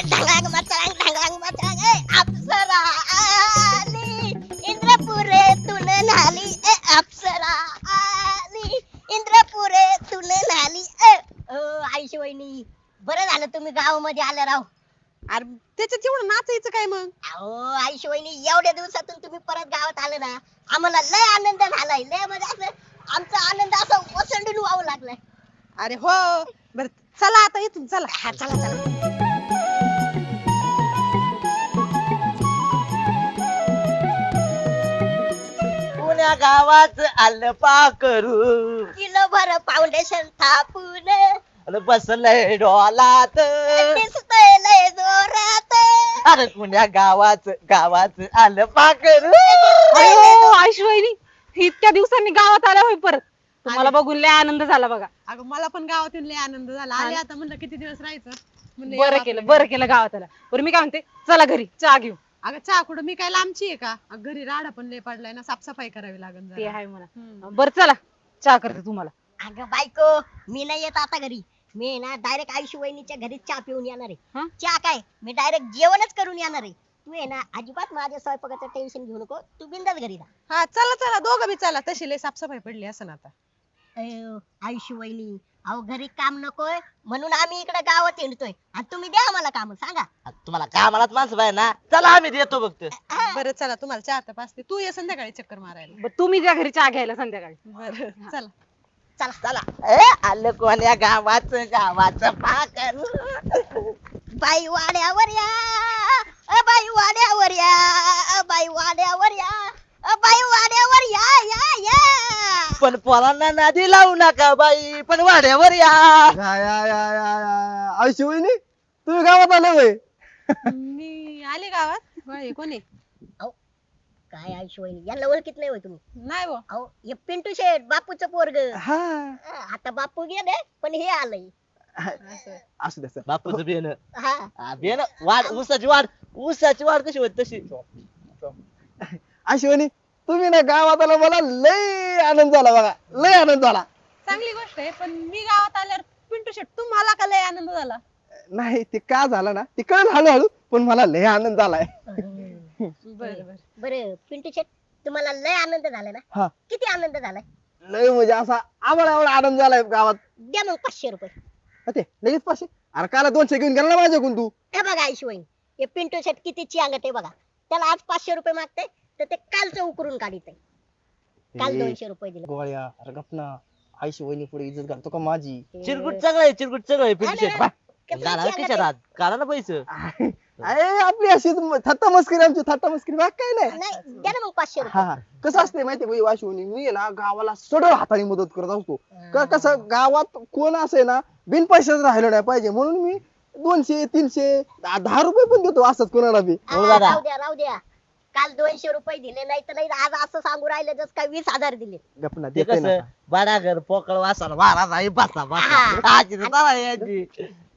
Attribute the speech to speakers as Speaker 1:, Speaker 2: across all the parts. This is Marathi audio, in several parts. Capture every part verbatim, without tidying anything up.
Speaker 1: ढगांग मचांग ढगांग मचांग ए अप्सरा आली इंद्रपुरेतून नाली ए अप्सरा आली इंद्रपुरेतून नाली ए आईशी वहिनी बरं झालं तुम्ही गावामध्ये आले राव.
Speaker 2: अरे त्याच्यात एवढं नाचायचं काय मग?
Speaker 1: अहो आईशी वहिनी एवढ्या दिवसातून तुम्ही परत गावात आले ना आम्हाला लय आनंद झालाय लय म्हणजे असं आमचा आनंद असा ओसंडून वाहू लागलाय.
Speaker 2: अरे हो बर चला आता इथून चला.
Speaker 1: हा चला चला.
Speaker 3: पुण्या गावात आलं पाकरू
Speaker 1: किलो भर फाउंडेशन थापून
Speaker 3: अन बसलंय डोलात
Speaker 1: दिसतोय लय जोरात.
Speaker 3: अरे पुण्या गावात गावात आलं पाकरू.
Speaker 2: अरे हो आयुष वहिनी इतक्या दिवसांनी गावात आल्या होय परत तुम्हाला बघून लय आनंद झाला बघा.
Speaker 4: अगं मला पण गावात येऊन लय आनंद झाला. आले आता म्हणलं किती दिवस राहायचं म्हणलं
Speaker 2: बरं
Speaker 4: यावं
Speaker 2: केलं
Speaker 4: आपलं
Speaker 2: बरं
Speaker 4: घरी.
Speaker 2: केलं गावात आला. बरं मी काय म्हणते चला घरी चहा घेऊ.
Speaker 4: अगं चहा कुठं मी काय लांबची आहे का? अगं घरी राडा पण लय पडलाय ना साफसफाई करावी लागेल
Speaker 2: ते
Speaker 4: जरा.
Speaker 2: आहे म्हणा.
Speaker 4: हम्म.
Speaker 2: बरं चला चहा करते तुम्हाला.
Speaker 1: अगं बायको मी नाही येत आता घरी. मी ना डायरेक्ट आयुष्य वहिनीच्या घरी चहा पिऊन येणार
Speaker 2: हं?
Speaker 1: आहे. चहा काय मी डायरेक्ट जेवणच करून येणार आहे. तू आहे ना अजिबात माझ्या स्वयंपाकाचं टेन्शन घेऊ नको. तू बिंदास घरी जा.
Speaker 4: हा चला चला दोघं बी चला. तशी लय साफसफाई पडली असं आता.
Speaker 1: अयो, आयुष्य वहिनी अहो घरी काम नकोय म्हणून आम्ही इकडे गावात येतोय आणि तुम्ही द्या आम्हाला काम सांगा.
Speaker 3: तुम्हाला कामालाच माणसं पाहिजे ना. चला आम्ही देतो बघतो.
Speaker 4: बरं चला तुम्हाला चार तर पाचते. तू ये संध्याकाळी चक्कर मारायला.
Speaker 2: बरं तुम्ही जा घरी चहा घ्यायला संध्याकाळी.
Speaker 4: बरं चला.
Speaker 1: चला
Speaker 3: चला ए आलं कोण्या गावाच गावाचं पाकरू.
Speaker 1: बाई वाड्यावर या अ बाई वाड्यावर या अ बाई वाड्यावर या अ बाई वाड्यावर या या या.
Speaker 3: पण पोरांना नादी लावू नका बाई पण वाड्यावर या.
Speaker 5: या या या या या आयुष्य वहिनी तुम्ही गावात आले होय.
Speaker 4: मी आले गावात. होय, हे कोणी?
Speaker 1: काय आयुष्य वहिनी यांना ओळखीत नाही होय तुम्ही?
Speaker 4: नाही बो.
Speaker 1: अहो हे पिंटू शेठ बापूचं पोरग.
Speaker 5: हा
Speaker 1: आता बापू गेले पण हे आलंय.
Speaker 4: असं.
Speaker 5: असू द्या सर.
Speaker 3: बापूचं बेन
Speaker 1: हा
Speaker 3: बेन वाढ ऊसाची वाढ ऊसाची वाढ कशी होत तशी.
Speaker 5: आयुष्य वहिनी तुम्ही ना गावात आला मला लय आनंद झाला बघा लय आनंद झाला.
Speaker 4: चांगली गोष्ट आहे पण मी गावात आल्यावर पिंटू शेट तुम्हाला का लय आनंद झाला?
Speaker 5: नाही ते का झालं ना ते कळलं हळूहळू पण मला लय आनंद झालाय.
Speaker 4: बरं बरं.
Speaker 1: बरं पिंटू शेठ तुम्हाला लय आनंद झाला ना?
Speaker 5: हा
Speaker 1: किती आनंद झालाय?
Speaker 5: लय म्हणजे असा आवड आवड आनंद झालाय गावात.
Speaker 1: द्या मग पाचशे रुपये.
Speaker 5: हा ते लगेच पाचशे. अरे काला दोनशे घेऊन गेला ना माझ्याकडून तू.
Speaker 1: हे बघा आयुष्य वहिनी हे पिंटू शेठ किती चियांगत आहे बघा. त्याला आज पाचशे रुपये मागते तर ते कालचं उकरून काढित आहे. काल
Speaker 5: ए,
Speaker 1: दोनशे रुपये दिले.
Speaker 5: गोळ्या अरे गप ना आयुष्य वहिनी पुढे इज्जत घालतो का माझी.
Speaker 3: चिरकुट चांगलं आहे चिरकुट चांगलं आहे
Speaker 1: हा
Speaker 3: पिंटू
Speaker 1: ना.
Speaker 3: शेट.
Speaker 1: कसलं
Speaker 3: घाला
Speaker 1: चियांगत
Speaker 3: खिशात
Speaker 1: आहे.
Speaker 3: हात. काढा ना पैसे.
Speaker 5: अरे आपली अशी थट्टा मस्करी आमची थट्टा मस्करी बाग काय नाही.
Speaker 1: नाही द्या ना मग पाचशे
Speaker 5: हा
Speaker 1: रुपये.
Speaker 5: हा. कसं असते माहितीये का वाशिवणी मी आहे ना गावाला सडळ हाताने मदत करत असतो. का कसं गावात कोण असे ना बिन पैशाचं राहिलं नाही पाहिजे म्हणून मी दोनशे तीनशे दहा दहा रुपये पण देतो असंच कोणाला बी.
Speaker 1: हा,
Speaker 3: हो दादा.
Speaker 1: राहू द्या राहू द्या. काल दोनशे रुपये दिले नाही तर नाही आज असं सांगू राहिलं जस काय वीस हजार दिले.
Speaker 5: गपना
Speaker 3: ते
Speaker 5: देते ना.
Speaker 3: कसं बाडा घर पोकळ वासाला वारा नाही बसा बसा
Speaker 1: हा.
Speaker 3: आजी तर तवा यायची.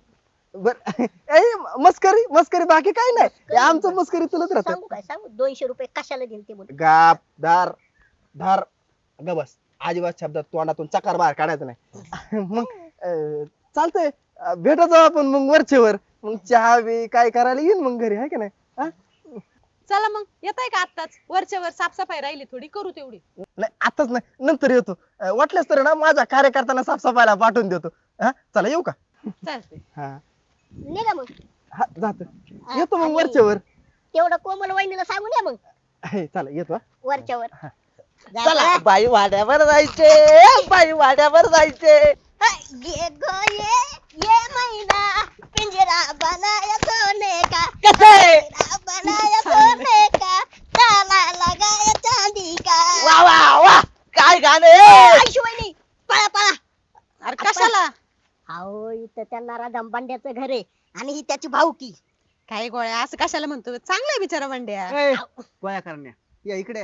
Speaker 5: बर ए मस्करी मस्करी बाकी काय नाही हे आमचं मस्करी तुलत राहत.
Speaker 1: सांगू काय सांगू दोनशे रुपये कशाला दिले ते बोल.
Speaker 5: गाप दार धार ग बस अजिबात शब्दात तोंडातून चकार बाहेर काढायचं नाही. मग अं, चालतंय अं, भेटत जाऊ आपण मग वरचेवर मग चहा बी काय करायला येईन मग घरी आहे का नाही. हा?
Speaker 4: चला मग येताय का आत्ताच? वरच्या वर साफसफाई राहिली थोडी करू तेवढी.
Speaker 5: नाही आताच नाही नंतर येतो. अं, वाटल्यास तर ना माझ्या कार्यकर्त्यांना साफसफाईला पाठवून देतो. हा चला येऊ का.
Speaker 4: चालते.
Speaker 5: हा
Speaker 1: निघा मग.
Speaker 5: हा जातो
Speaker 1: हा,
Speaker 5: येतो मग
Speaker 1: आणि
Speaker 5: वरचेवर.
Speaker 1: तेवढं कोमल वहिनीला सांगून या मग
Speaker 5: हे चला येतो हा.
Speaker 1: वरच्या वर. जा
Speaker 3: चला
Speaker 1: बा.
Speaker 3: बाई वाड्यावर जायचे बाई वाड्यावर जायचे.
Speaker 1: ये गो ये ये मैना पिंजरा बनाया सोने का
Speaker 3: कसं आहे?
Speaker 1: पिंजरा बनाया सोने का ताला लगाया चांदी का.
Speaker 3: वा वा वा काय गाणे.
Speaker 1: आयुष्य वहिनी पळा पळा.
Speaker 4: अरे कशाला?
Speaker 1: अहो इथं त्यांना राधंबांड्याचं घर आहे आणि ही त्याची भाऊकी.
Speaker 4: काय गोळ्या असं कशाला म्हणतो? चांगला बिचारा बंड्या.
Speaker 5: ए, गोळ्या करण्या या इकडे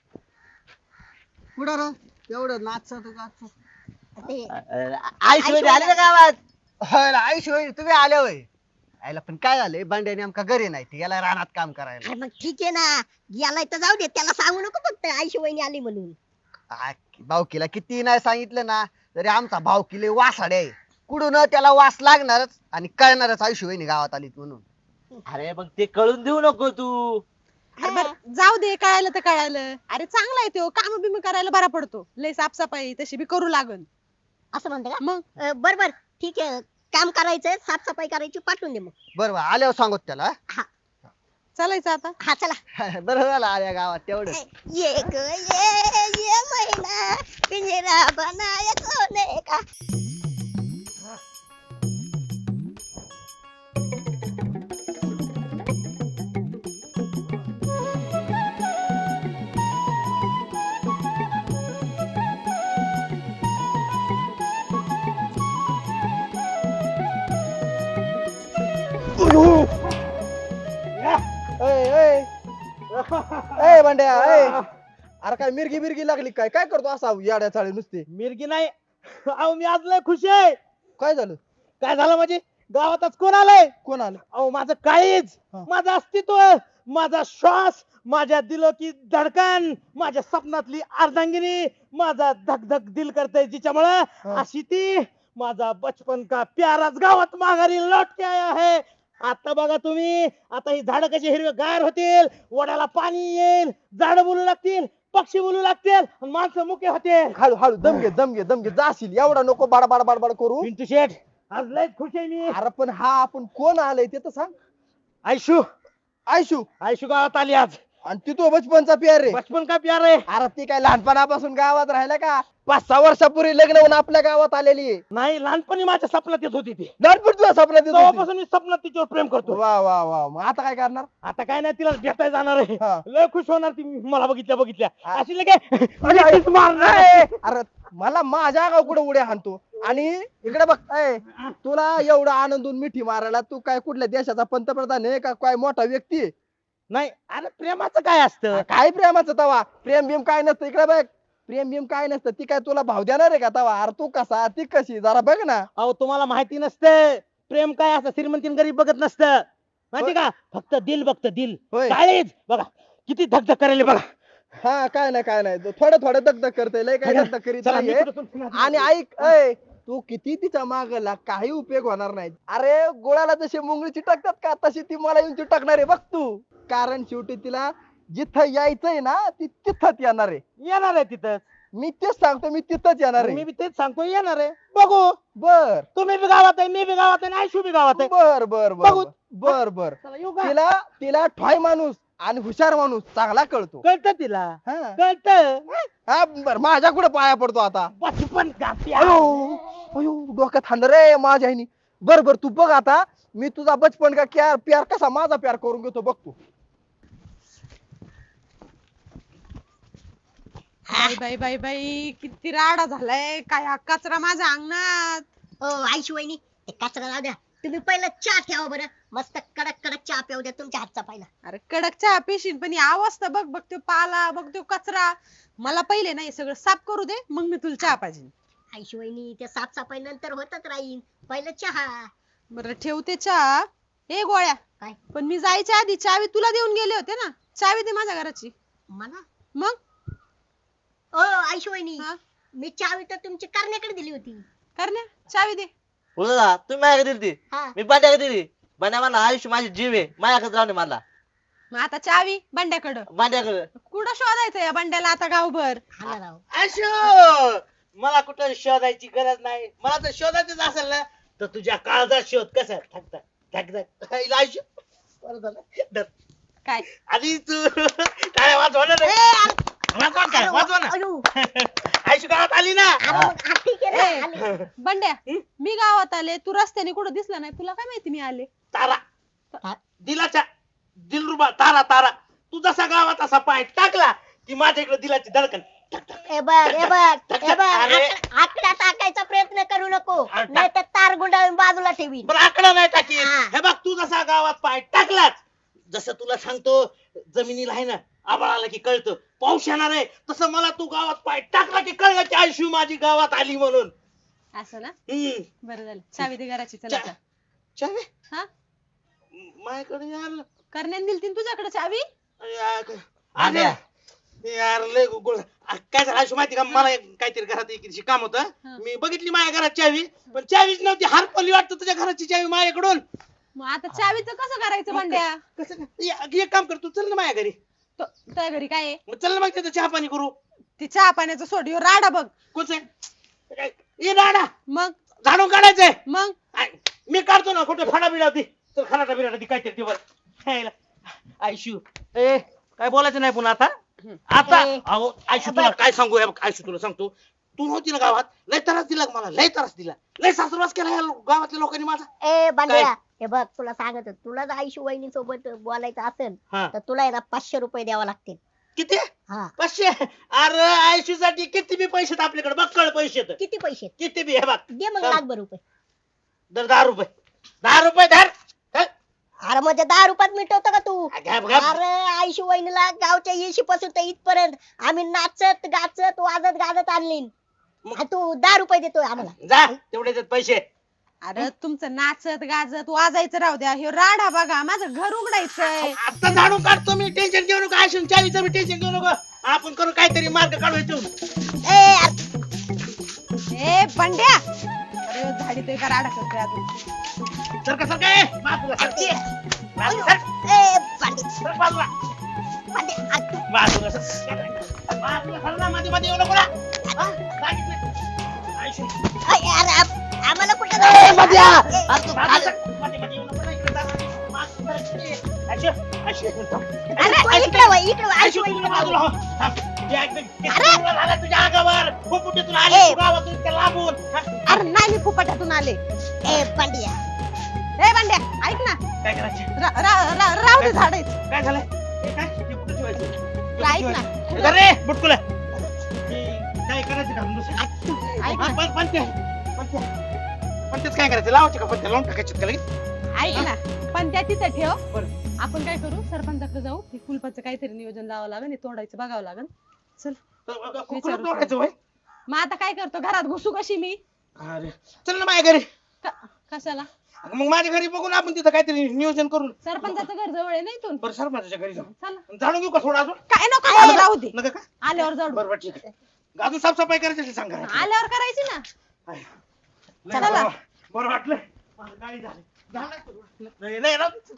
Speaker 5: कुठं रे एवढं नाच
Speaker 1: ते
Speaker 3: आईशिवाय आले ना गावात.
Speaker 5: आयुष्य तुम्ही आले होय. आयला पण काय झालंय बंड्याने आमका घरी नाही ते याला रानात काम करायला.
Speaker 1: अरे मग ठीक आहे ना याला तर जाऊ दे त्याला सांगू नको फक्त आयुष्य वहिनी आली म्हणून.
Speaker 5: आ, भावकीला किती नाही सांगितलं ना तरी आमचा भावकीले वासाडे आहे. कुठून त्याला वास लागणारच आणि कळणारच आयुष्य वहिनी गावात आलीत म्हणून.
Speaker 3: अरे मग ते कळून देऊ नको तू.
Speaker 4: अरे बरं, जाऊ दे, कळायलं तर कळायलं. अरे चांगला आहे तो, काम बिम करायला बरा पडतो. लय साफसफाई तशी बी करू लागन.
Speaker 1: असं म्हणते का
Speaker 4: मग
Speaker 1: अं, बर बर ठीक आहे, काम करायचंय, साफसफाई करायची, पाठवून दे मग.
Speaker 5: बरोबर आल्यावर सांगत त्याला
Speaker 4: चालायचं आता.
Speaker 1: हा चला.
Speaker 5: बरं झालं आल्या गावात तेवढं.
Speaker 1: ये ग ये ये महिना पिंजरा बनाया सोने का.
Speaker 5: ए बंड्या ए अरे काय मिरगी बिरगी लागली काय काय करतो असा याड्या चाळी नुसते.
Speaker 6: मिरगी नाही. अहो मी आज लय खुश आहे.
Speaker 5: काय झालं
Speaker 6: काय झालं म्हणजे गावातच कोण आलंय?
Speaker 5: कोण आलं
Speaker 6: अहो माझं काळीज,
Speaker 5: हा.
Speaker 6: माझं अस्तित्व, माझा श्वास, माझ्या दिलो की धडकन, माझ्या स्वप्नातली अर्धांगिनी, माझा धक धक दिल करते जिच्यामुळं
Speaker 5: हा.
Speaker 6: अशी ती माझा बचपन का प्याराच गावात माघारी लौट के आया है. आता बघा तुम्ही, आता ही झाडं कशी हिरवे गार होतील, वड्याला पाणी येईल, झाड बोलू लागतील, पक्षी बोलू लागतील, आणि माणसं मुके होतील.
Speaker 5: हळू हळू दम घे दम घे दम घे जाशील एवढा नको बाडबाड बाडबाड करू.
Speaker 6: पिंटू शेठ, आज लय खुश आहे मी.
Speaker 5: अरे पण हा आपण कोण आलंय ते तर सांग.
Speaker 6: आयशू
Speaker 5: आयशू
Speaker 6: आयशू गावात आली आज.
Speaker 5: आणि ती तो बचपनचा प्यार रे.
Speaker 6: बचपन का प्यार आहे.
Speaker 5: अरे ती काय लहानपणापासून गावात राहिला का पाच सहा वर्षापूर्वी लग्न होऊन आपल्या गावात आलेली आहे.
Speaker 6: नाही, लहानपणी माझ्या स्वप्नात येत होती ती.
Speaker 5: लहानपणी तुझ्या स्वप्नात येत होती.
Speaker 6: तेव्हापासून मी स्वप्नात तिच्यावर प्रेम करतो.
Speaker 5: वा वा वा मग आता काय करणार.
Speaker 6: आता काय नाही, तिला भेटायला जाणार आहे.
Speaker 5: हा.
Speaker 6: लय खुश होणार ती मला बघितल्या बघितल्या.
Speaker 5: हा.
Speaker 6: अशी लगे लगेच मारणार.
Speaker 5: ए, अरे मला माझ्या गाव कुठे उड्या हाणतो आणि इकडे बघ ए, तुला एवढा आनंदून मिठी मारायला तू काय कुठल्या देशाचा पंतप्रधान आहे का काय मोठा व्यक्ती आहे.
Speaker 6: नाही, अरे प्रेमाचं काय असतं.
Speaker 5: काय प्रेमाचं तवा प्रेम बिम काय नसतं इकडे बघ. प्रेम बिम काय नसतं ती काय तुला भाव देणार आहे का तवा. अरे तू कसा ती कशी जरा बघ ना.
Speaker 6: अहो तुम्हाला माहिती नसतं प्रेम काय असतं. श्रीमंतीन गरीब बघत नसतं माहिती का. फक्त दिल बघतं दिल.
Speaker 5: होय.
Speaker 6: काळीज बघा किती धगधग करायला बघा.
Speaker 5: हा काय नाही काय नाही थोडं थोडं दगदग करते लय काय दगदग करीत
Speaker 6: चला, मी
Speaker 5: नाहीये.
Speaker 6: कुठं तुमच्या-
Speaker 5: आणि ऐक ऐ तू किती तिच्या मागला काही उपयोग होणार नाही. अरे गोळ्याला जशी मुंगळी चिटकतात का तशी ती मला येऊन चिटकणार आहे बघ तू. कारण शेवटी तिला जिथं यायचंय ना ती तिथंच येणार आहे.
Speaker 6: येणार आहे तिथं.
Speaker 5: मी तेच सांगतो मी तिथंच येणार
Speaker 6: मी
Speaker 5: आहे.
Speaker 6: बी तेच सांगतो येणार आहे. बघू,
Speaker 5: बर
Speaker 6: तुम्ही बी गावात आहे, मी बी गावात आहे, आणि आयशू बी गावात आहे.
Speaker 5: बर बर बर
Speaker 6: बघू.
Speaker 5: बर बर
Speaker 6: चला, येऊ का?
Speaker 5: तिला तिला ठॉय माणूस आणि हुशार माणूस चांगला कळतो.
Speaker 6: कळतं तिला,
Speaker 5: हा
Speaker 6: कळतं.
Speaker 5: हा, बर माझ्या कुठे पाया पडतो आता.
Speaker 6: बचपन का प्यार.
Speaker 5: अयो अयो डोक्यात हाणलं रे माझ्या आईनी. बर बर तू बघ आता मी तुझा बचपन का क्या प्यार कसा माझा प्यार करून घेतो बघ तू.
Speaker 4: बाई बाई बाई बाई किती राडा झालाय. काय हा कचरा माझ्या अंगणात.
Speaker 1: हो आयशू वहिनी, ते कचरा राहू द्या, तुम्ही पहिलं चहा ठेवा बरं, मस्त कडक कडक चहा पिऊ द्या तुमच्या हातचा पहिला.
Speaker 4: अरे कडक चहा पिशील पण ही अवस्था बघ. बघ तो पाला, बघ तो कचरा. मला पहिले नाही सगळं साफ करू दे, मग मी तुला चहा पाहिजे.
Speaker 1: आयशू वहिनी ते साफसफाई नंतर होतच राहील, पहिलं चहा.
Speaker 4: बरं ठेवते चहा. हे गोळ्या,
Speaker 1: काय
Speaker 4: पण मी जायच्या आधी चावी तुला देऊन गेले होते ना. चावी दे माझ्या घराची.
Speaker 1: मला
Speaker 4: मग
Speaker 1: ओ आयशू वहिनी,
Speaker 4: हा?
Speaker 1: मी चावी तर तुमची करण्याकडे दिली होती.
Speaker 4: करण्या चावी दे.
Speaker 3: बोला तुम्ही माझ्याकडे दिली ती.
Speaker 1: हा
Speaker 3: मी बांड्याकडे दिली. बांड्या म्हणला आयुष्य माझी जीव आहे माझ्याकडे राहणे मला.
Speaker 4: मग आता चावी बंड्याकडं.
Speaker 3: बांड्याकडे
Speaker 4: कुठं शोधायचं या बंड्याला आता गावभर.
Speaker 1: हा ना राव.
Speaker 6: आयशू, मला कुठं शोधायची गरज नाही. मला जर शोधायचंच असेल ना तर तुझ्या काळजात शोध. कसा ठकता ठकता आयशू. बरं झालं. धर.
Speaker 4: काय
Speaker 6: आधी तू काय वाजवा ना रे. वाजवा काय वाजवा ना.
Speaker 1: अयो,
Speaker 6: आयशू गावात आली ना.
Speaker 1: अरे मग हा ठीक आहे
Speaker 4: ए.
Speaker 1: ना, आले.
Speaker 4: बंड्या, मी गावात आले, तू रस्त्याने कुठं दिसला नाही. तुला काय माहिती मी आले.
Speaker 6: तारा दिलाच्या दिलरुबा तारा तारा. तू जसा गावात असा पाय टाकला की माझ्या इकडे दिलाची धडकन.
Speaker 1: ए बघ ए बघ ए बघ,
Speaker 6: अरे.
Speaker 1: आक- आकडा टाकायचा प्रयत्न करू नको,
Speaker 6: अरे टाक.
Speaker 1: नाही तर तार गुंडाळून बाजूला ठेवीन.
Speaker 6: पण आकडा नाही टाकी.
Speaker 1: हा.
Speaker 6: हे बघ तू जसा गावात पाय टाकलाच, जसं तुला सांगतो जमिनीला आहे ना आबाळ आला की कळतं पाऊस येणार आहे, तसं मला तू गावात पाय टाकला की कळलं की आयशू माझी गावात आली म्हणून.
Speaker 4: असं ना.
Speaker 6: हम्म.
Speaker 4: बरं झालं. चावी दे घराची. चला
Speaker 6: चा-
Speaker 4: जा.
Speaker 6: चावी
Speaker 4: हा
Speaker 6: माझ्याकडे यार.
Speaker 4: करण्याने दिली तीन तुझ्याकडे चावी.
Speaker 6: यार अरे यार लय गोळ. आ, काय झालं आयशू माहिती का, मला एक काहीतरी घरात एक दिवशी काम होतं.
Speaker 4: हा.
Speaker 6: मी बघितली माझ्या घरात चावी, पण चावीच नव्हती. हरपली वाटतं तुझ्या घराची चावी माझ्याकडून.
Speaker 4: मग आता चावीचं कसं करायचं बंड्या?
Speaker 6: कसं काय? या- एक काम कर तू चल ना माझ्या घरी.
Speaker 4: तो- तुझ्या घरी काय आहे?
Speaker 6: मग चल ना मग त्याचं चहा पाणी करू.
Speaker 4: ती चहा पाण्याचं सोड ह्यो राडा बघ.
Speaker 6: कोच आहे ये दादा
Speaker 4: मग
Speaker 6: झाडून काढायचंय.
Speaker 4: मग
Speaker 6: आय, मी काढतो ना कुठे फाडा बिडा होती तर खराटा बिराटा ती काय ते वर खायला. आयशू ए काय बोलायचं नाही पुन्हा आता. आता
Speaker 1: ए,
Speaker 6: अहो आयशू तुला काय सांगू हे बघ, आयशू तुला सांगतो तू नव्हती ना गावात लय त्रास दिला मला लय त्रास दिला लय सासरवास केला या लो- गावातल्या लोकांनी माझा.
Speaker 1: ए बांड्या हे बघ तुला सांगत होतो, तुला जर आईशी वहिनी सोबत बोलायचं असेल
Speaker 6: हा
Speaker 1: तर तुला आहे ना पाचशे रुपये द्यावा लागतील.
Speaker 6: किती
Speaker 1: हा
Speaker 6: पाचशे. अरे आयशू साठी किती बी पैसे आहेत आपल्याकडे बक्कळ पैसे आहेत.
Speaker 1: किती पैसे
Speaker 6: किती बी हे बघ
Speaker 1: दे मग
Speaker 6: हा.
Speaker 1: लाखभर रुपये.
Speaker 6: दर दहा रुपये दहा रुपये धर धर.
Speaker 1: अरे म्हणजे दहा रुपयात मिटवतो का तू?
Speaker 6: घ्या- घ्या.
Speaker 1: अरे आईशी वहिनीला गावच्या येशी पासून तर इथपर्यंत आम्ही नाचत गाचत वाजत गाजत आणली
Speaker 6: मग-
Speaker 1: आणि तू दहा रुपये देतोय आम्हाला.
Speaker 6: जा तेवढेच आहेत पैसे.
Speaker 4: अरे तुमचं नाचत गाजत वाजायचं राहू द्या. ह्यो राडा बघा माझं घर उघडायचंय.
Speaker 6: आता झाडू काढतो मी टेन्शन घेऊ नको. आयशून चावीचं मी टेन्शन घेऊ नको. आपण करू काहीतरी मार्ग काढू याच्यातून.
Speaker 1: ए अरे
Speaker 4: ए बंड्या अरे ह्यो झाडीतोय का राडा करतोय अजून?
Speaker 6: सर का सर काय बाजूला सर. बाजूला सर.
Speaker 1: ए बांडे
Speaker 6: सर बाजूला
Speaker 1: बांडे आ-
Speaker 6: बाजूला सर. बाजूला सर ना मध्ये मध्ये येऊ नको ना. हा? सांगितलं. आयशू
Speaker 1: अय, अरे आप- आम्हाला कुठे
Speaker 6: ए, मध्या.
Speaker 1: ए,
Speaker 6: बाजूला सर. मध्ये मध्ये येऊ नको ना. इकडे जा. बाजूला सर. आयशू आयशू
Speaker 1: अरे तू इकडे वळ, इकडे वळ, आईशी
Speaker 6: आयशू तुला
Speaker 1: वहिनीला
Speaker 6: बाजूला
Speaker 1: बोलव.
Speaker 6: हो. थांब. हे एकदम किती दिवस झाला तुझ्या अंगावर फुफुटीतून आली
Speaker 1: ए.
Speaker 6: तू गावातून इतक्या लांबून. हा?
Speaker 4: अरे नाही मी फुपाट्यातून आले.
Speaker 1: ए बांडिया
Speaker 4: ए बंड्या ऐक ना.
Speaker 6: काय करायचं
Speaker 4: रा- रा- रा- राहू दे झाडायचं.
Speaker 6: काय झालंय हे काय ते कुठं ठेवायचं
Speaker 4: तू ऐक ना.
Speaker 6: हे धर रे बुटकुला. हे काय करायचं का दुसरं?
Speaker 4: ऐक
Speaker 6: हा,
Speaker 4: ना.
Speaker 6: पण- पण ते- पण ते- पण तेच काय करायचं लावायचे का पण ते लावून टाकायचे का लगेच?
Speaker 4: ऐक ना पण त्या तिथं ठेव.
Speaker 6: बरं.
Speaker 4: आपण काय करू सरपंचाकडे जाऊ हे कुलपाचं काहीतरी नियोजन लावावं लागेल हे तोडायचं बघावं लागेल. चल
Speaker 6: तर मग
Speaker 4: विचारू
Speaker 6: कुठं तोडायचं होय?
Speaker 4: मग आता काय करतो घरात घुसू कशी मी?
Speaker 6: अरे चल ना माझ्या घरी.
Speaker 4: क- कशाला?
Speaker 6: मग माझ्या घरी बघून आपण तिथं काहीतरी नियोजन करून
Speaker 4: सरपंचाचं घर जवळ आहे ना इथून.
Speaker 6: बरं सरपंचाच्या घरी जाऊ.
Speaker 4: चला
Speaker 6: जाणून घेऊ का थोडं अजून?
Speaker 4: काय नको झालं, राहू दे.
Speaker 6: नका का?
Speaker 4: आल्यावर जाऊ.
Speaker 6: बरं बरं ठीक आहे. अजून साफसफाई करायची असेल सांगा.
Speaker 4: आल्यावर करायची ना.
Speaker 6: लय
Speaker 4: चला.
Speaker 6: बरं- बरं वाटलं. मला गाडी झाली. झालं? नाही नाही राहू दे.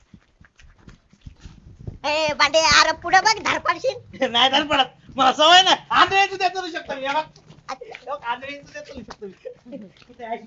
Speaker 1: ए बांडे अरे पुढे बघ धारपाडशील.
Speaker 6: नाही झालं पडत मला सवय नाही. आंधळ्याचं देत नाही शकतो मी. हे बघ. हे बघ, आंधळ्याचं देत नाही शकतो मी. कुठे आहे?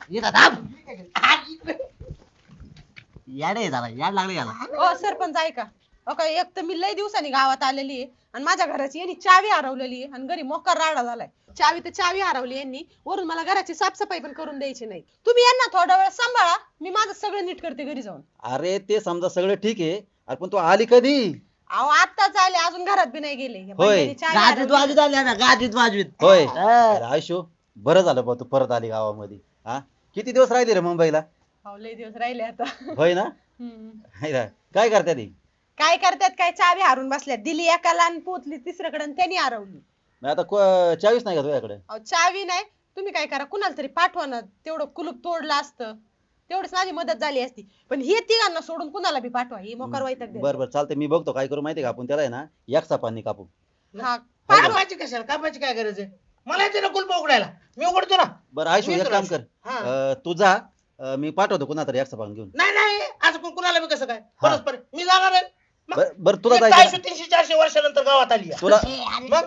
Speaker 3: याडे झाला याड लागले याला.
Speaker 4: ओ सरपंच ऐका. ओके एक तर मी लय दिवसांनी गावात आलेली आहे आणि माझ्या घराची यांनी चावी हरवलेली आहे आणि घरी मोकार राडा झालाय. चावी तर चावी हरवली यांनी वरून मला घराची साफसफाई पण करून द्यायची नाही. तुम्ही यांना थोडा वेळ सांभाळा मी माझं सगळं नीट करते घरी जाऊन.
Speaker 7: अरे ते समजा सगळं ठीक आहे अरे पण तू आली कधी?
Speaker 4: अहो आत्ताच आले अजून घरात बी नाही गेले. या
Speaker 7: होय.
Speaker 4: बंड्याने चावी
Speaker 3: गाजवीत
Speaker 4: हरवली.
Speaker 3: वाजवीत आली आम्ही गाजवीत वाजवीत.
Speaker 7: होय
Speaker 3: हा.
Speaker 7: अरे आयुष्य बरं झालं बा तू परत आली गावामध्ये. हा किती दिवस राहिली रे मुंबईला?
Speaker 4: अहो, लय दिवस राहिले आता.
Speaker 7: होय ना?
Speaker 4: हम्म.
Speaker 7: हाय ना? काय करते ती?
Speaker 4: काय करतात काय चावी हारून बसल्यात दिली एकाला आणि पोचली तिसऱ्याकडे आणि त्यांनी हरवली.
Speaker 7: मग आता को- चावीस नाही का तुझ्याकडे?
Speaker 4: अहो, चावी नाही तुम्ही काय करा कुणाला तरी पाठवा ना तेवढं कुलूप तोडलं असतं तेवढीच माझी मदत झाली असती. पण हे तिघांना सोडून कुणाला बी पाठवा ही मोकार वैताग देतात.
Speaker 7: बरं बरं चालतंय मी बघतो काय करू माहितीये का आपण त्याला आहे ना एक सापांनी कापू.
Speaker 4: हा पाठवा.
Speaker 6: कापायची कशाला कापायची काय गरज आहे? मला येते ना कुलप उघडायला. मी उघडतो ना.
Speaker 7: बरं आयुष्य
Speaker 6: मी
Speaker 7: एक
Speaker 6: तुला-
Speaker 7: काम कर
Speaker 6: हा.
Speaker 7: अं, तू जा अं, मी पाठवतो कुणा तरी एक सापान घेऊन.
Speaker 6: नाही नाही असं कोण कुणाला बी कसं काय
Speaker 7: हा.
Speaker 6: परस्पर मी जाणार आहे. मग
Speaker 7: बरं बरं तुला
Speaker 6: एक
Speaker 7: जायचं
Speaker 6: चारशे
Speaker 7: ना?
Speaker 6: तीनशे चारशे वर्षानंतर गावात आली आहे.
Speaker 7: तुला
Speaker 1: ए, अरे
Speaker 6: मग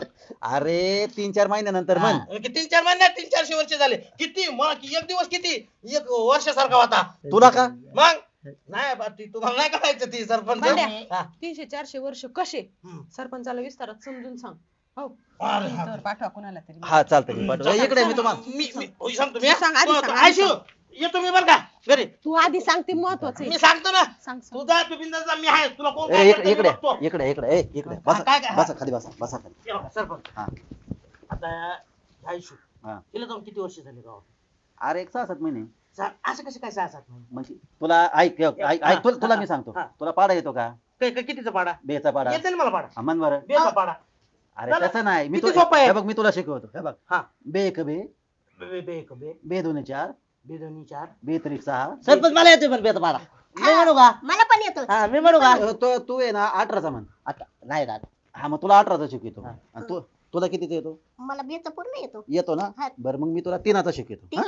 Speaker 7: अरे तीन चार महिन्यानंतर म्हण.
Speaker 6: की तीन चार महिन्यात तीन चारशे वर्ष झाले किती मग एक दिवस किती एक वर्षासारखा होता.
Speaker 7: तुला का?
Speaker 6: मग नाही बा, ती तुम्हाला नाही करायचं ती सरपंच.
Speaker 4: बंड्या.
Speaker 6: हा.
Speaker 4: तीनशे चारशे वर्ष कसे
Speaker 6: हम्म.
Speaker 4: सरपंचाला विस्तारात समजून सांग. हो
Speaker 6: अरे हा.
Speaker 4: तर पाठवा कुणाला तरी.
Speaker 7: हा चालतंय मी पाठवतो. इकडे मी तुम्हाला
Speaker 6: मी मी होय सांगतो मी हा.
Speaker 4: सांग, आधी
Speaker 6: तू-
Speaker 4: सांग,
Speaker 6: तू-
Speaker 4: आधी
Speaker 6: आयशू येतो मी बरं का घरी.
Speaker 4: तू आधी सांगते महत्वाचं
Speaker 6: मी
Speaker 4: आहे.
Speaker 6: सांगतो ना
Speaker 4: सांग सांग.
Speaker 6: तू जा तू बिंदास जा मी आहे तुला कोण
Speaker 7: ए,
Speaker 6: काय
Speaker 7: इकडे
Speaker 6: करतं
Speaker 7: इकडे
Speaker 6: मी बघतो.
Speaker 7: इकडे इकडे ए, इकडे
Speaker 6: हा,
Speaker 7: बसा
Speaker 6: काय- काय?
Speaker 7: बसा खाली बसा बसा खाली.
Speaker 6: हे बघा, सरपंच
Speaker 7: हा
Speaker 6: आता आयशू
Speaker 7: हा.
Speaker 6: तिला जाऊन किती वर्ष झाली गावात?
Speaker 7: अरे एक सहा सात महिने
Speaker 6: सा- असं कसं काय सहा सात महिने?
Speaker 7: म्हणजे तुला ऐक ऐक ऐक-
Speaker 6: हा,
Speaker 7: ऐक तुला तुला
Speaker 6: हा,
Speaker 7: मी सांगतो
Speaker 6: हा.
Speaker 7: तुला पाडा येतो का?
Speaker 6: काय काय कितीचा पाडा?
Speaker 7: बेचा पाडा
Speaker 6: येते ना मला पाडा.
Speaker 7: हा, म्हण बरं.
Speaker 6: बेचा पाडा.
Speaker 7: अरे
Speaker 6: चला.
Speaker 7: तसं नाही मी
Speaker 6: किती
Speaker 7: तुला
Speaker 6: सोपं आहे.
Speaker 7: हे बघ मी तुला शिकवतो हे बघ
Speaker 6: हा.
Speaker 7: बे एक बे
Speaker 6: बे बे बे एक बे
Speaker 7: बे दोन चार
Speaker 6: बे दोन्ही चार
Speaker 7: बे त्रिक सहा
Speaker 3: सरपंच मला येतोय पण बेत मला. मी म्हणू का?
Speaker 1: मला पण येतो.
Speaker 3: हा मी म्हणू का?
Speaker 7: अ, तो तू आहे ना अठराचा म्हण.
Speaker 3: आता नाही ना.
Speaker 7: हा मग तुला अठराचा शिकवतो
Speaker 3: हा.
Speaker 7: आणि तू तुला कितीचा येतो?
Speaker 1: मला बेचा पूर्ण येतो.
Speaker 7: येतो ना
Speaker 1: हा.
Speaker 7: बरं मग मी तुला तीनाचा शिकवतो हा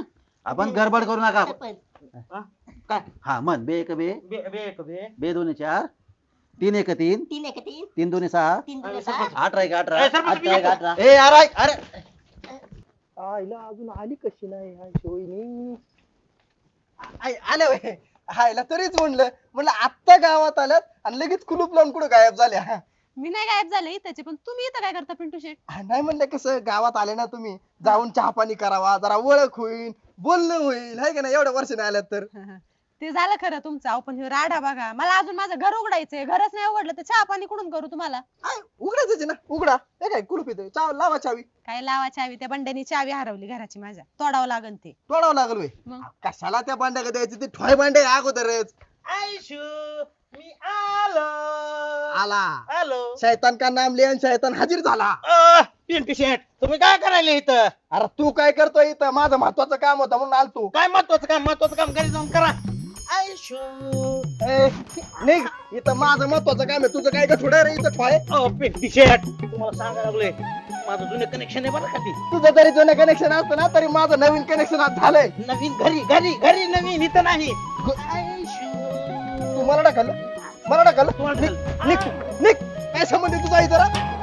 Speaker 7: आपण गडबड करू नका.
Speaker 1: सरपंच
Speaker 7: हा म्हण बे एक बे
Speaker 6: बे बे एक बे
Speaker 7: बे दोन्ही चार तीन एक तीन
Speaker 1: तीन एक तीन
Speaker 7: तीन दोन्ही सहा
Speaker 1: तीन दोन सहा
Speaker 7: अठरा एक अठरा
Speaker 6: ए, सरपंच,
Speaker 7: अठरा एक
Speaker 6: मी
Speaker 7: अठरा ए अरे अरे
Speaker 5: आईला अजून आली कशी नाही आयशोईनी आल्या वय आईला तरीच म्हणलं म्हणलं आत्ता गावात आल्यात आणि लगेच कुलूप लावून कुठं गायब झाल्या हा.
Speaker 2: मी नाही गायब झाले त्याचे, पण तुम्ही इथं काय करता पिंटू शेट?
Speaker 5: हा, नाही म्हणलं कसं गावात आले ना तुम्ही जाऊन चहा पाणी करावा जरा ओळख होईल बोलणं होईल हाय का नाही एवढ्या वर्षाने आल्यात तर
Speaker 2: ते झालं खरं तुमचं. अहो, पण हे राडा बघा, मला अजून माझं घर उघडायचंय, घरच नाही उघडलं तर चहा पाणी कुठून करू तुम्हाला?
Speaker 5: आय, उघडायचं ना उघडा हे काय कुलूप येते चाव लावा चावी
Speaker 2: काय लावा चावी? त्या बंड्यानी चावी हरवली घराची माझ्या, तोडावं लागन ते.
Speaker 5: तोडावं लागल वय
Speaker 2: मग?
Speaker 5: कशाला त्या भांड्या द्यायची ते ठोय भांडे अगोदरच
Speaker 6: आयशू मी आलो
Speaker 5: आला
Speaker 6: आलो
Speaker 5: शैतान का नाम लिहन शैतान हाजीर झाला.
Speaker 6: अ, पिंटू शेट तुम्ही काय करायला इथं?
Speaker 5: अरे तू काय करतोय इथं माझं महत्वाचं काम होतं म्हणून आलतो.
Speaker 6: काय महत्वाचं काम महत्वाचं काम घरी जाऊन करा. आयशू
Speaker 5: ए, निघ इथं माझं महत्वाचं काम आहे तुझं काय का थोडं रे इथं ठोय
Speaker 6: अ, पिंटू शेट तुम्हाला सांगायला लागलोय माझं जुनं कनेक्शन आहे बरं का ती.
Speaker 5: तुझं तरी जुनं कनेक्शन असतं ना तरी माझं नवीन कनेक्शन आज झालंय.
Speaker 6: नवीन घरी घरी घरी नवीन इथं नाही.
Speaker 5: तू मला टाकलं मला टाकलं
Speaker 6: तुम्हाला
Speaker 5: निघ निघ निघ काय संबंध आहे तुझा इथं रा?